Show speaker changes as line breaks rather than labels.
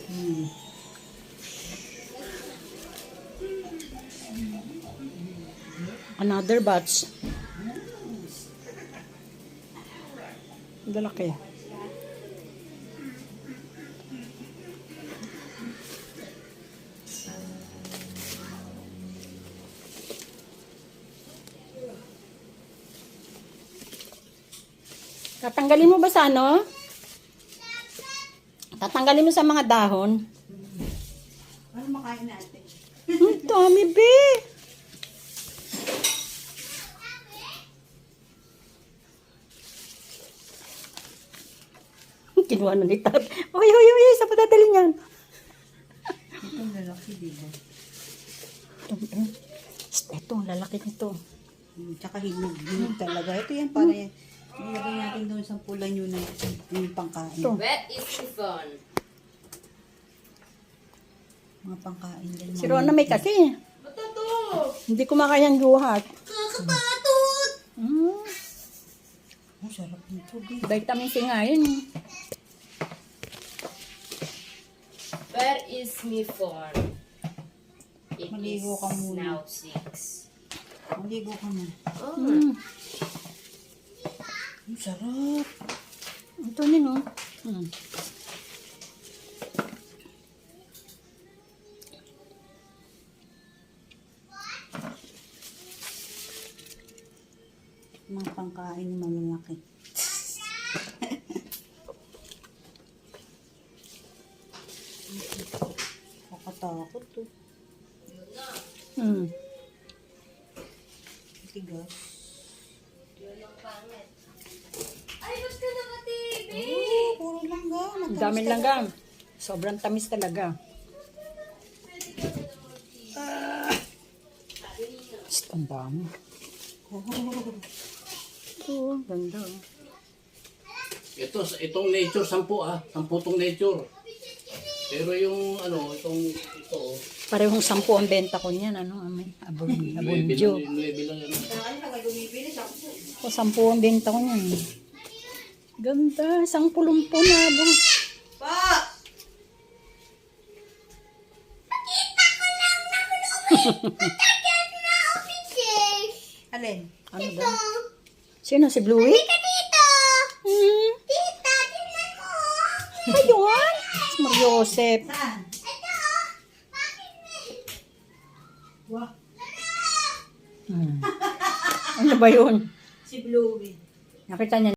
Another batch. Lalaki. Tatanggalin mo ba sa ano? Tatanggalin mo sa mga dahon?
Ano makain natin?
Dami, be! Kinuha na ni Tat. Uy, sa patadali niyan.
Itong lalaki, diba?
Ito, ang lalaki nito.
Tsaka hinog talaga. Ito yan, para yan. Nilagay natin doon sa pulan yun na yung pangkain.
Ito.
Wet is chiffon.
Mga pangkain din.
Si Rona may kasi.
Matato!
Hindi ko makayang guhat.
Nakakapatot!
Oh, sarap nito.
Vitamin C nga yun.
Where is chiffon? It
Maligo ka
is
muna.
now 6.
Maligo ka na.
Oh.
Ang sarap.
Ito yun, oh.
Mga pangkain ni malalaki. Kakatakot to. Tigas.
Ay, ba't ka naka-TV?
Oh, puro langga.
Ang daming langgam. Sobrang tamis talaga. Ang dami. Ito, ganda.
Itong nature, 10 10 tong nature. Pero yung ito,
Parehong 10 ang benta ko niyan. Abonjo.
yung level lang yan.
O 10 ang benta ko niyan. Ganda. 10 pulumpo na.
Pa! Alin?
Ano ba? Sino? Si Bluey?
Tita!
Hmm.
Tita, tingnan mo!
Ayun. Si Mariosep.
Saan?
Ito! Bakit may...
Wah,
Ano ba yun?
si Bluey.
Nakita niya